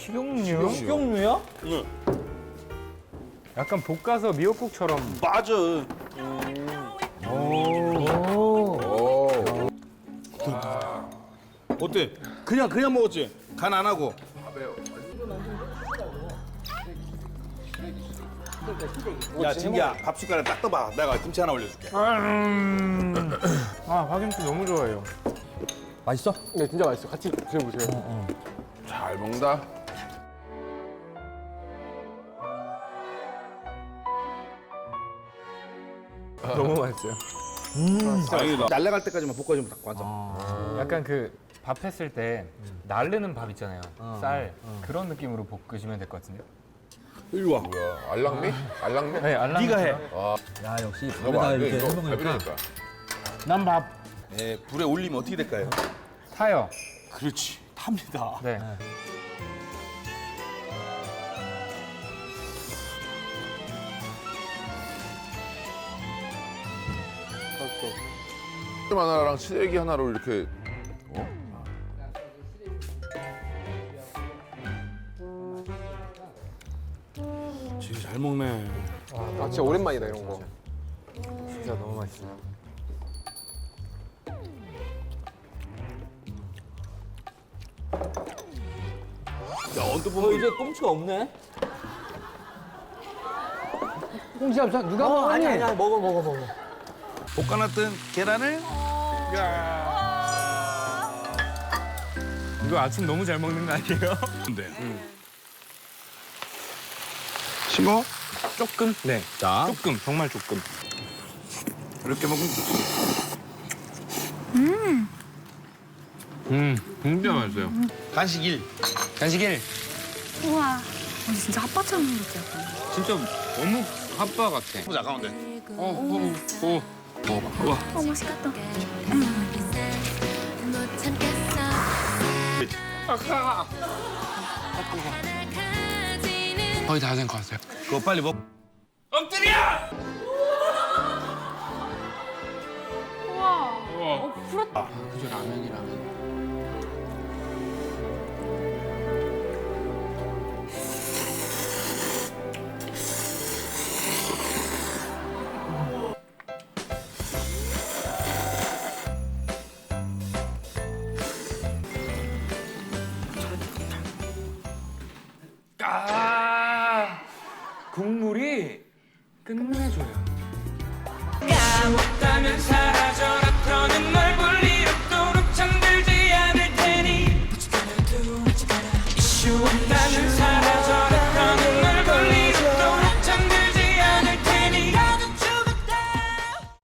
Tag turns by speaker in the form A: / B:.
A: 식용유?
B: 식용유야?
C: 응.
A: 약간 볶아서 미역국처럼.
C: 맞아. 어때? 그냥 먹었지? 간 안 하고. 야, 진기야, 밥 숟가락 딱 떠봐. 내가 김치 하나 올려줄게.
A: 아, 파김치 너무 좋아해요.
B: 맛있어?
D: 네, 진짜 맛있어. 같이 드셔보세요.
E: 잘 먹는다.
A: 너무 맛있어요.
C: 다행이다. 날라갈 때까지만 볶아주면 딱 맞아.
A: 약간 그 밥 했을 때 날르는 밥 있잖아요. 쌀. 그런 느낌으로 볶으시면 될 것 같은데요.
C: 이리 와.
E: 뭐야, 알랑미? 알랑미?
A: 네, 알람.
C: 네가 해.
B: 야 역시
E: 이거
B: 밥에다
E: 안 돼,
B: 이렇게
E: 이거
B: 해먹으니까
E: 갈비니까.
A: 난 밥
C: 예, 불에 올리면 어떻게 될까요?
A: 타요.
C: 그렇지. 탑니다.
A: 네.
E: 하나랑 시래기 하나로 이렇게
C: 진짜 잘 먹네.
D: 아, 진짜 오랜만이다, 이런 거.
A: 진짜 너무 맛있어요.
C: 야, 언뜻 보면
B: 이제 꽁치가 없네?
D: 꽁치 잡자. 누가 먹었니?
B: 아니야 먹어.
C: 볶아놨던 계란을
A: 이거 아침 너무 잘 먹는 거 아니에요?
C: 근데 싱거?
A: 조금? 네.
C: 자,
A: 조금, 정말 조금.
C: 이렇게 먹으면
A: 진짜 맛있어요.
C: 간식 1.
A: 간식 1.
F: 우와. 진짜 핫바처럼 생겼지, 약간.
A: 진짜 어묵 핫바 같아.
C: 보자, 가운데.
F: 어, 맛있겠다.
A: 거의 다 된 것 같아요.
C: 그거 빨리 먹.
A: 그저 라면이라면. 국물이 끝내줘요.
G: 까먹다면 사라져라 더는 널 볼 일 없도록 잠들지 않을 테니 이슈 없다면 사라져